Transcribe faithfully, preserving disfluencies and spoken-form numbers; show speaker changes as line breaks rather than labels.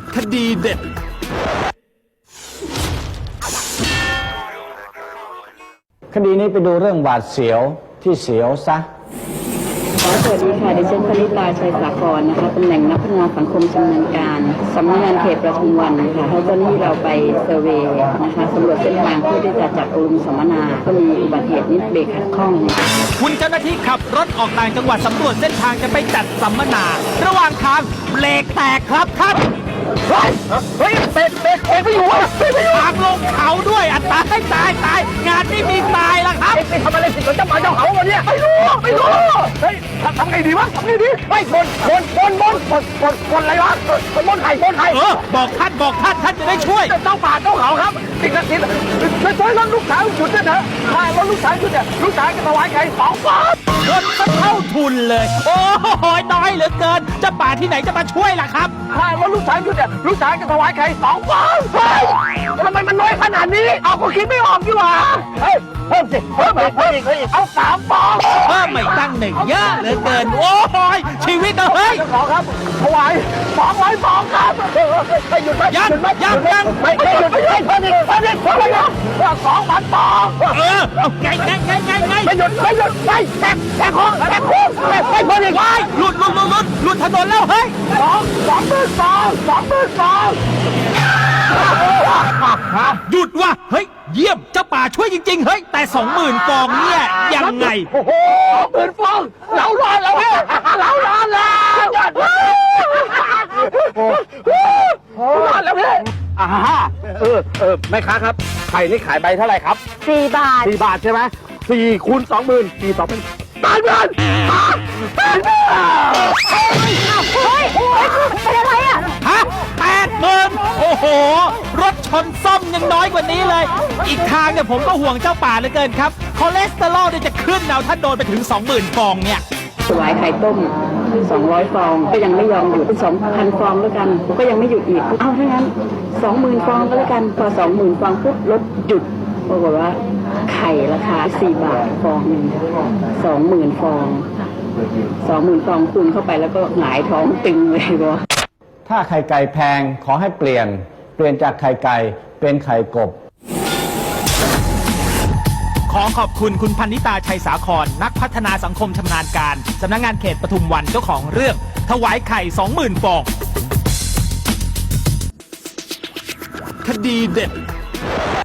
คดีเด็ด
คดีนี้ไปดูเรื่องบาดเสียวที่เสียวซะ
สวัสดีค่ะดิฉันพนิตาชัยสาครนะคะตำแหน่งนักพัฒนาสังคมชำนาญการสำนักงานเขตประทุมวันค่ะแล้วตอนนี้เราไปเซอร์เวย์นะคะสำรวจเส้นทางเพื่อที่จะจัดอบรมสัมมนาก็มีอุบัติเหตุนิดเบรกขัดข้อง
คุณเจ้าหน้าที่ขับรถออกต่างจังหวัดสำรวจเส้นทางจะไปจัดสัมมนาระหว่างทางเบรกแตกครับท่าน
เฮ้ยเฮ้ยเบรกเบรกเองไม่อยู่วะไม่อยู่
ทางลงเขาด้วยอัตายตายตายงานนี้มีตายแล้วครับ
ไปทำอะไรผิดกับเจ้าป่าเจ้าเขาวันนี้ไม่รู้ไม่รู้เฮ้ยทำไงดีวะทำไงดีไม่บนบนบนบนบนบนบนอะไรวะบนบนไข่บนไข่
เออบอกท่านบอกท่านท่านจะได้ช่วย
เจ้าป่าเจ้าเขาครับสิ่งศักดิ์สิทธิ์ช่วยช่วยรถลูกสาวจุดเนี่ยเถอะถ้ารถลูกสาวจุดเนี่ยลูกสาวจะถวายไข่สองฟอง
เงินก็เท่าทุนเลยโอ้โหน้อยเหลือเกินเจ้าป่าที่ไหนจะมาช่วยล่ะครับ
ถ้ารถลูกสาวจุดเนี่ยลูกสาวจะถวายไข่สองฟองเฮ้ยทำไมมันน้อยขนาดนี้เอาก็คิดไม่ออกดีกว่าเฮ้ยเพิ่มสิเพิ่มอีกเพิ่มอีกเพิ่มอีกเอาสามฟอง
เพิ่มไม่ตั้งหนึ่งเยอะเหลือเกินโอ้ยชีวิตเฮ้ย
ขอครับถวายสองร้อยฟองครับไม่หยุดไม่หยุดไม่
ยังยัง
ไม่ไม่หยุดไม่หยุดเพิ่มอีกเพิ่มอีกเพิ่มอีกสองพันฟอง
เออเอาไงไงไงไงไง
ไม่หยุดไม่หยุดไม่แตกแตกโค้งแตกโค้งไม่ไม่เพิ่มอีกไม่
หลุดหลุดหลุดหลุดหลุดถนนแล้วเฮ้ย
สองสองหมื่นฟองสองหมื่นฟอง
หยุดว่ะเฮ้ยเยี่ยมเจ้าป่าช่วยจริงๆเฮ้ยแต่สองหมื่นฟองเนี่ยยังไง
โอ้โหหมื่นฟองเรารอดแล้วเนี่ยเรารอดแล้วรอดแล้วพี่อ่าเออเออแม่ค้าครับไข่นี่ขายใบเท่าไหร่ครับ
สี่บาท
สี่บาทใช่ไหมสี่คูณสองหมื่นสี่สองเป็นแปดหมื่นแปดหมื่น
เฮ้ยเฮ้ยเป็นอะไรอ่ะ
ฮะแปดหมื่นโอ้โหรถชนซ่อมยังน้อยกว่านี้เลยอีกทางเนี่ยผมก็ห่วงเจ้าป่าเหลือเกินครับคอเลสเตอรอลเนี่ยจะขึ้นเอาถ้าโดนไปถึง สองหมื่น ฟองเนี่ย
ถวายไข่ต้มสองร้อยฟองก็ยังไม่ยอมหยุด สองพัน ฟองแล้วกันก็ยังไม่หยุดอีกเอาถ้างั้น สองหมื่น ฟองก็แล้วกันพอ สองหมื่น ฟองปุ๊บรถหยุดปรากฏว่าไข่ราคาสี่บาทฟองนึง สองหมื่น ฟอง สองหมื่น ฟองคูณเข้าไปแล้วก็หงายท้องตึงเลยบ่
ถ้าไข่ไก่แพงขอให้เปลี่ยนเปลี่ยนจากไข่ไก่เป็นไข่กบ
ขอขอบคุณคุณพันนิตาชัยสาครนักพัฒนาสังคมชำนาญการสำนักงานเขตปทุมวันเจ้าของเรื่องถวายไข่ สองหมื่น ฟองคดีเด็ด